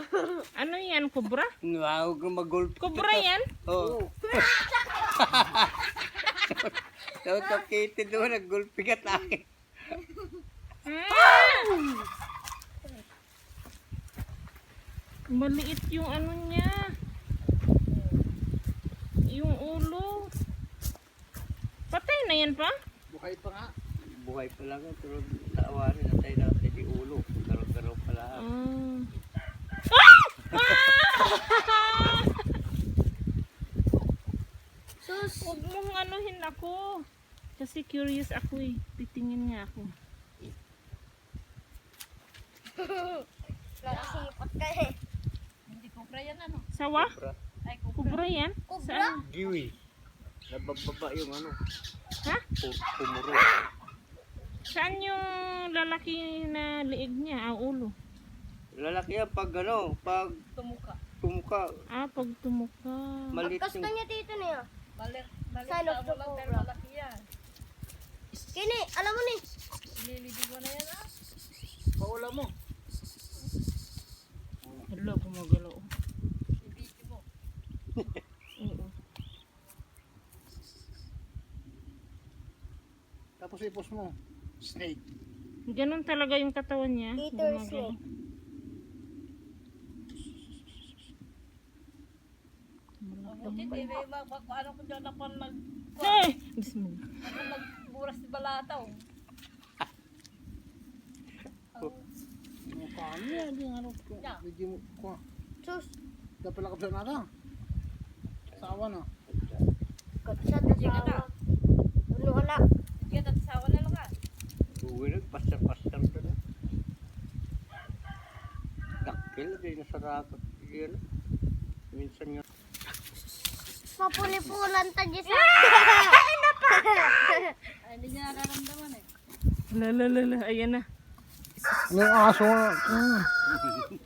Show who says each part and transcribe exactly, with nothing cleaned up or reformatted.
Speaker 1: Ano yan? Kubra?
Speaker 2: Huwag kang mag-golf.
Speaker 1: Kubra yan?
Speaker 2: Oo. Daw kapitid doon, nag-golf ka tayo.
Speaker 1: Ah! Maliit yung ano niya. Yung ulo. Patay na yan pa?
Speaker 3: Buhay pa nga.
Speaker 2: Buhay pa lang, pero taawarin na tayo natin yung ulo. Garaw-garaw pa lahat.
Speaker 1: Ah. Sus, huwag mong anuhin ako. Kasi curious ako eh. Titingin nga ako.
Speaker 4: Nakasipot ka eh.
Speaker 5: Hindi kubra yan ano?
Speaker 1: Sawa?
Speaker 2: Sobra.
Speaker 5: Ay, kubra.
Speaker 1: Kubra yan?
Speaker 4: Kubra?
Speaker 1: Saan?
Speaker 2: Giwi. Nabababa yung ano.
Speaker 1: Ha?
Speaker 2: pu- Pumuro.
Speaker 1: Saan yung lalaki na liig niya? Ang ulo?
Speaker 2: Lalaki yan pag ano, pag
Speaker 5: Tumuka.
Speaker 2: tumuka.
Speaker 1: Ah, pag tumuka.
Speaker 2: Malit
Speaker 4: Pagkas
Speaker 2: yung...
Speaker 4: na niya tito niya.
Speaker 5: Balik, balik
Speaker 4: Sign of
Speaker 5: sa
Speaker 4: the
Speaker 5: mo lang pero
Speaker 4: cobra.
Speaker 5: malaki yan.
Speaker 4: Kini, alam mo ni.
Speaker 5: Ililibig mo na yan ah.
Speaker 3: Paula mo.
Speaker 1: Hello, gumagalaw.
Speaker 5: Ibigin mo.
Speaker 1: Oo.
Speaker 3: Tapos ipos mo. Snake.
Speaker 1: Ganon talaga yung katawan niya.
Speaker 4: Eater
Speaker 1: Gumagalaw.
Speaker 4: snake.
Speaker 5: Hindi, hindi may mag, mag, ano kung dyan ako nag,
Speaker 1: Eh! Bismillah.
Speaker 5: ako nagburas ni Balataw.
Speaker 3: Ano pa ano yan? Yung ano ko.
Speaker 5: Yeah.
Speaker 3: Hindi mo ko.
Speaker 4: Sus,
Speaker 3: Dapat pala kapsa na ka. Sawa na.
Speaker 4: kapsat na
Speaker 5: Sige na.
Speaker 4: sawa. Ano wala?
Speaker 5: Sige, tatasawa na lang ah.
Speaker 2: Uwi na, pasar-pasar ka na. Dakil, di nasarapat. Yan. Minsan nga.
Speaker 4: Mapuli-pulan tagi sa...
Speaker 5: Ay, hindi niya nararamdaman eh.
Speaker 1: Lalalala. Ayan na.
Speaker 3: Ano yung aso? Hmm.